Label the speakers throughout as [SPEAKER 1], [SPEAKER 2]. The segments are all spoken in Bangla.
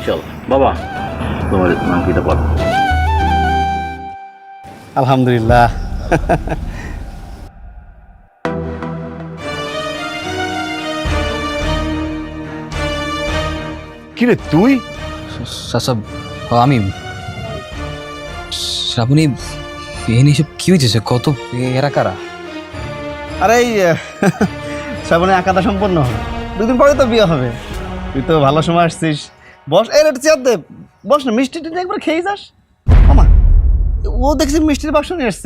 [SPEAKER 1] ইনশাল্লাহ। বাবা তোমার নামকিটা বল।
[SPEAKER 2] আলহামদুলিল্লাহ।
[SPEAKER 3] কিরে তুই?
[SPEAKER 4] সাসব আমি শ্রাবণী এনে সব কি হয়েছে? কত এরা কারা?
[SPEAKER 2] আরে এই শ্রাবণে আঁকাটা সম্পন্ন হবে, 2 দিন পরে তো বিয়ে হবে। তুই তো ভালো সময় আসছিস, বস। এই একটু চেয়ার দে, বস না। মিষ্টি টিটি একবার খেয়ে যাস। আমা ও দেখছি মিষ্টির বাক্স নিয়ে এসছে।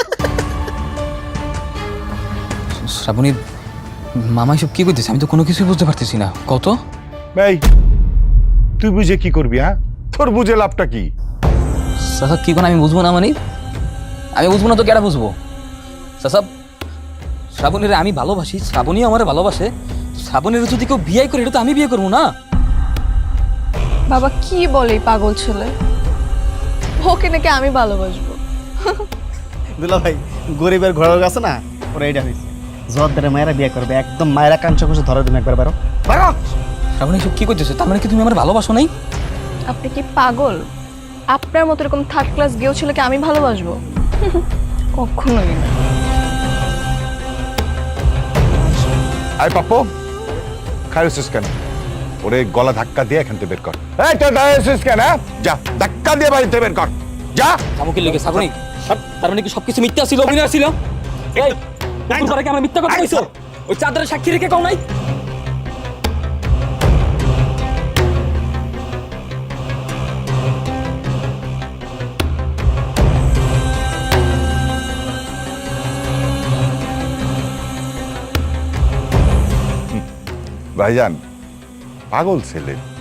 [SPEAKER 4] শ্রাবণী মামা সব কি করতেছে? আমি তো কোনো কিছুই বুঝতে পারতেছি না। কত
[SPEAKER 3] এই তুই বুঝে কি করবি? হ্যাঁ, তোর বুঝে লাভটা কি?
[SPEAKER 4] সাসা কি কোন আমি বুঝবো না? মানে আমি বুঝবো না তো কেটা বুঝবো? সাসা শ্রাবণীর আমি ভালোবাসি, শ্রাবণী আমার ভালোবাসে। শ্রাবণীর যদি কেউ বিয়ে করে, এটা তো আমি বিয়ে করবো না।
[SPEAKER 5] বাবা কি বলে এই পাগল ছেলে? ওকে নাকি আমি ভালোবাসবো?
[SPEAKER 2] দুলা ভাই, গরিবের ঘরের কাছে না ওরা এইটা হয়েছে। জর্দারে মায়েরা বিয়ে করবে, একদম মায়েরা কাঞ্চ কুঞ্চ ধরে দিন একবার। বারো বারো।
[SPEAKER 4] শ্রাবণী সব কি করতেছে? তার মানে কি তুমি আমার ভালোবাসো নাই?
[SPEAKER 5] আপনি কি পাগল? আপনার মতো এরকম থার্ড ক্লাস গেও ছেলেকে আমি ভালোবাসবো? কখনোই না।
[SPEAKER 3] আয় পাপ্পু, খাইছিস কেন? ওরে গলা ধাক্কা দিয়ে এখান থেকে বের কর। এই তুই দাঁড়িয়েছিস কেন? যা ধাক্কা দিয়ে বাড়িতে বের কর, যা।
[SPEAKER 4] আমাকে লেগে শ্রাবণী তার মানে কি সবকিছু মিথ্যা ছিল, অভিনয় ছিল? এই পুকুর পাড়ে কি আমরা মিথ্যা কথা কইছো? ওই চাদরের সাক্ষী রেখে কও নাই?
[SPEAKER 3] ভাইজান পাগল ছেলে,